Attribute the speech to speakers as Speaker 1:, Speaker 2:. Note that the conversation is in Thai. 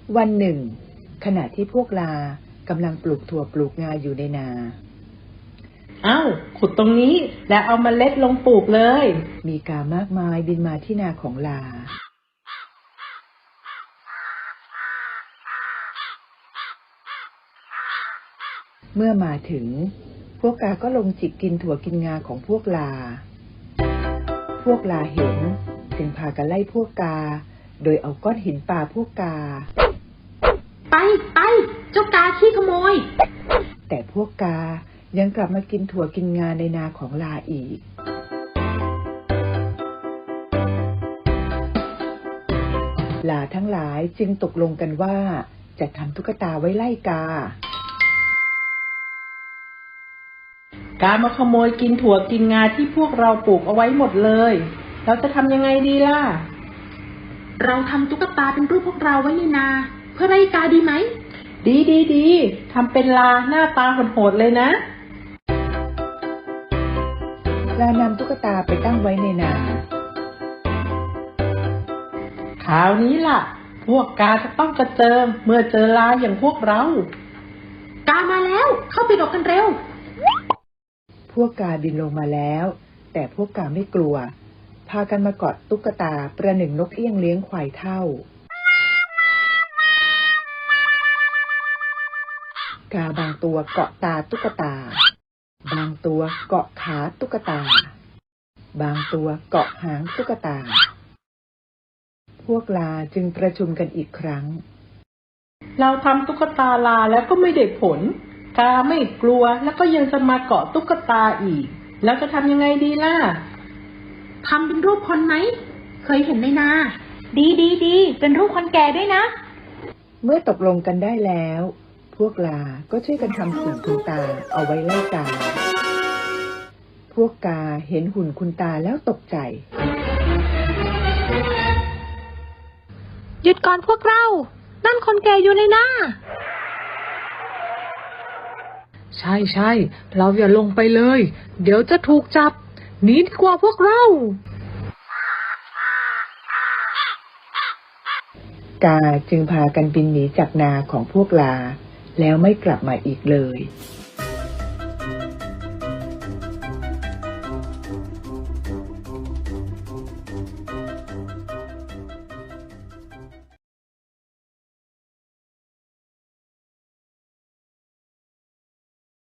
Speaker 1: วันหนึ่งขณะที่พวกลากำลังปลูกถั่วปลูกงาอยู่ในนา
Speaker 2: ขุดตรงนี้แล้วเอาเมล็ดลงปลูกเลย
Speaker 1: มีกามากมายบินมาที่นาของลาเมื่อมาถึงพวกกาก็ลงจิกกินถั่วกินงาของพวกลาเห็นจึงพากันไล่พวกกาโดยเอาก้อนหินปาพวกกา
Speaker 3: ไปเจ้ากาขี้ขโมย
Speaker 1: แต่พวกกายังกลับมากินถั่วกินงาในนาของลาอีกลาทั้งหลายจึงตกลงกันว่าจะทำตุ๊กตาไว้ไล่ก
Speaker 2: ากามาขโมยกินถั่วกินงาที่พวกเราปลูกเอาไว้หมดเลยเราจะทำยังไงดีล่ะ
Speaker 3: เราทำตุ๊กตาเป็นรูปพวกเราไว้ในนาเพื่อไล่กาดีไหม
Speaker 2: ดีทำเป็นลาหน้าตาโหดๆเลยนะ
Speaker 1: ลานำตุ๊กตาไปตั้งไว้ในนา
Speaker 2: คราวนี้ล่ะพวกกาจะต้องกระเจิงเมื่อเจอลาอย่างพวกเรา
Speaker 3: กามาแล้วเข้าไปหลบกันเร็ว
Speaker 1: พวกกาบินลงมาแล้วแต่พวกกาไม่กลัวพากันมาเกาะตุ๊กตาประหนึ่งนกเอี้ยงเลี้ยงควายเท่ากาบางตัวเกาะตาตุ๊กตาบางตัวเกาะขาตุ๊กตาบางตัวเกาะหางตุ๊กตาพวกลาจึงประชุมกันอีกครั้ง
Speaker 2: เราทำตุ๊กตาลาแล้วก็ไม่ได้ผลกาไม่กลัวแล้วก็ยังจะมาเกาะตุ๊กตาอีกแล้วจะทำยังไงดีล่ะ
Speaker 3: ทำเป็นรูปคนไหมเคยเห็นในนาดีเป็นรูปคนแก่ด้วยนะ
Speaker 1: เมื่อตกลงกันได้แล้วพวกลาก็ช่วยกันทำหุ่นคุณตาเอาไว้ไล่กาพวกกาเห็นหุ่นคุณตาแล้วตกใจ
Speaker 3: หยุดก่อนพวกเรานั่นคนแก่อยู่ในนา
Speaker 2: ใช่เราอย่าลงไปเลยเดี๋ยวจะถูกจับหนีดีกว่าพวกเรา
Speaker 1: กาจึงพากันบินหนีจากนาของพวกลาแล้วไม่กลับมาอีกเลย